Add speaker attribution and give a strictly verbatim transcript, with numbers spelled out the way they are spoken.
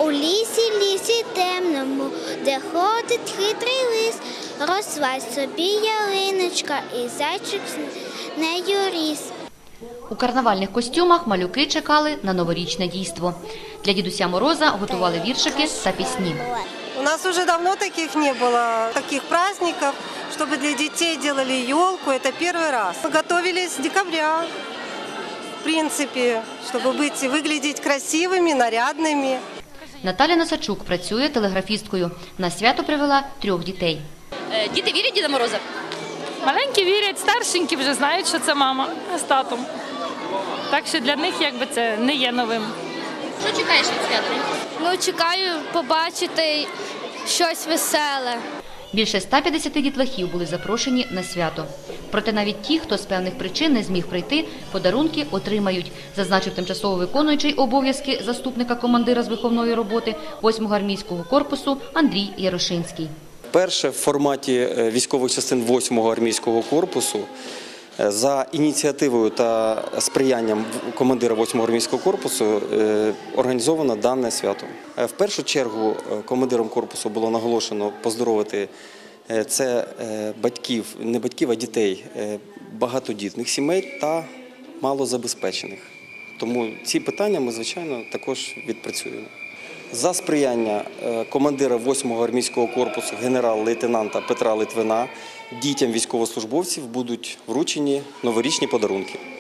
Speaker 1: У лісі, лісі темному, де ходить хитрий лис, росла собі ялиночка і зайчик з нею ріс.
Speaker 2: У карнавальних костюмах малюки чекали на новорічне дійство. Для Дідуся Мороза готували віршики та пісні.
Speaker 3: У нас уже давно таких не было, таких праздников, чтобы для детей делали елку, это первый раз. Мы готовились с декабря, в принципе, чтобы быть, выглядеть красивыми, нарядными.
Speaker 2: Наталя Носачук працює телеграфісткою. На свято привела трьох дітей.
Speaker 4: Діти вірять в Діда Мороза?
Speaker 5: Маленькі вірять, старшенькі вже знають, що це мама з татом. Так що для них якби це не є новим.
Speaker 4: Що чекаєш від свята?
Speaker 1: Ну, чекаю побачити щось веселе.
Speaker 2: Більше ста п'ятдесяти дітлахів були запрошені на свято. Проте навіть ті, хто з певних причин не зміг прийти, подарунки отримають, зазначив тимчасово виконуючий обов'язки заступника командира з виховної роботи восьмого армійського корпусу Андрій Ярошинський.
Speaker 6: Перше в форматі військових частин восьмого армійського корпусу за ініціативою та сприянням командира восьмого армійського корпусу організовано дане свято. В першу чергу командиром корпусу було наголошено поздоровити це батьків, не батьків, а дітей багатодітних сімей та малозабезпечених. Тому ці питання ми, звичайно, також відпрацюємо. За сприяння командира восьмого армійського корпусу генерал-лейтенанта Петра Литвина дітям військовослужбовців будуть вручені новорічні подарунки.